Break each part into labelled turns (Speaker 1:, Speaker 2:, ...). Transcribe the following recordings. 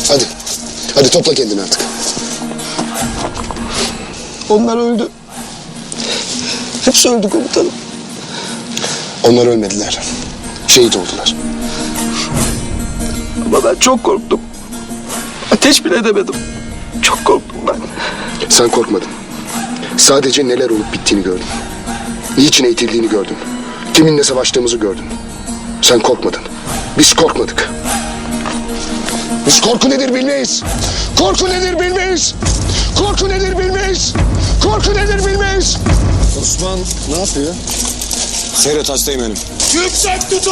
Speaker 1: Hadi. Hadi topla kendini artık.
Speaker 2: Onlar öldü. Hepsi öldü komutanım.
Speaker 1: Onlar ölmediler. Şehit oldular.
Speaker 2: Ama ben çok korktum. Ateş bile edemedim. Çok korktum ben.
Speaker 1: Sen korkmadın. Sadece neler olup bittiğini gördün. Niçin eğitildiğini gördün. Kiminle savaştığımızı gördün. Sen korkmadın. Biz korkmadık. Biz korku nedir bilmeyiz. Korku nedir bilmeyiz. Korku nedir bilmeyiz. Korku nedir bilmeyiz.
Speaker 3: Osman ne yapıyor? Seyret hastayım benim.
Speaker 4: Yüksek tutun!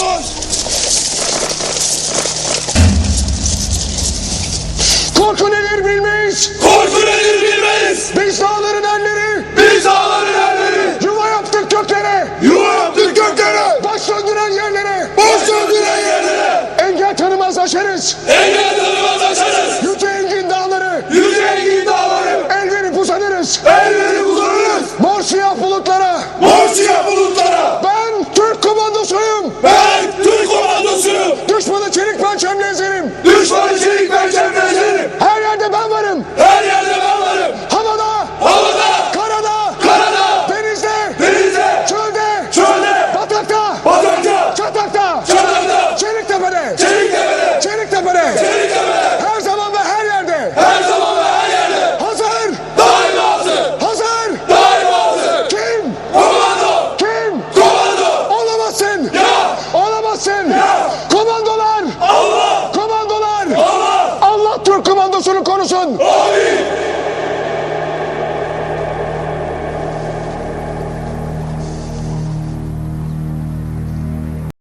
Speaker 1: Korku nedir bilmeyiz.
Speaker 4: Korku nedir bilmeyiz!
Speaker 1: Biz dağların erleri.
Speaker 4: Biz dağların erleri!
Speaker 1: Yuva yaptık göklere.
Speaker 4: Yuva yaptık göklere!
Speaker 1: Baş söndüren yerlere.
Speaker 4: Boş döndüren yerlere!
Speaker 1: Engel tanımaz aşarız.
Speaker 4: Engel tanımaz aşarız!
Speaker 1: Yüce engin dağları.
Speaker 4: Yüce engin dağları!
Speaker 1: El verip uzanırız.
Speaker 4: El verip uzanırız!
Speaker 1: Mor siyah bulutlara.
Speaker 4: Mor siyah bulutlara!
Speaker 1: Ben Türk komandosuyum.
Speaker 4: Ben Türk komandosuyum!
Speaker 1: Düşmanı çelik pençemle ezerim.
Speaker 4: Düşmanı çelik pençemle ezerim!
Speaker 1: Her yerde ben varım.
Speaker 4: Her yerde ben varım!
Speaker 1: Havada,
Speaker 4: Havada!
Speaker 1: karada,
Speaker 4: Karada!
Speaker 1: denizde,
Speaker 4: Denizde!
Speaker 1: çölde,
Speaker 4: Çölde!
Speaker 1: batakta,
Speaker 4: Batakta!
Speaker 1: çatakta,
Speaker 4: Çatakta!
Speaker 1: Çeliktepe'de,
Speaker 4: Çeliktepe'de!
Speaker 1: Çeliktepe'de,
Speaker 4: Çeliktepe'de!
Speaker 1: her zaman ve her yerde.
Speaker 4: Her zaman ve her yerde!
Speaker 1: Hazır,
Speaker 4: Daima hazır!
Speaker 1: hazır.
Speaker 4: Daima hazır!
Speaker 1: Kim?
Speaker 4: Komando!
Speaker 1: Kim?
Speaker 4: Komando!
Speaker 1: Olamazsın.
Speaker 4: Ya!
Speaker 1: Olamazsın.
Speaker 4: Ya!
Speaker 1: Komandolar.
Speaker 4: Allah!
Speaker 1: Komandolar.
Speaker 4: Allah!
Speaker 1: Allah Türk komandosunu korusun.
Speaker 4: Amin!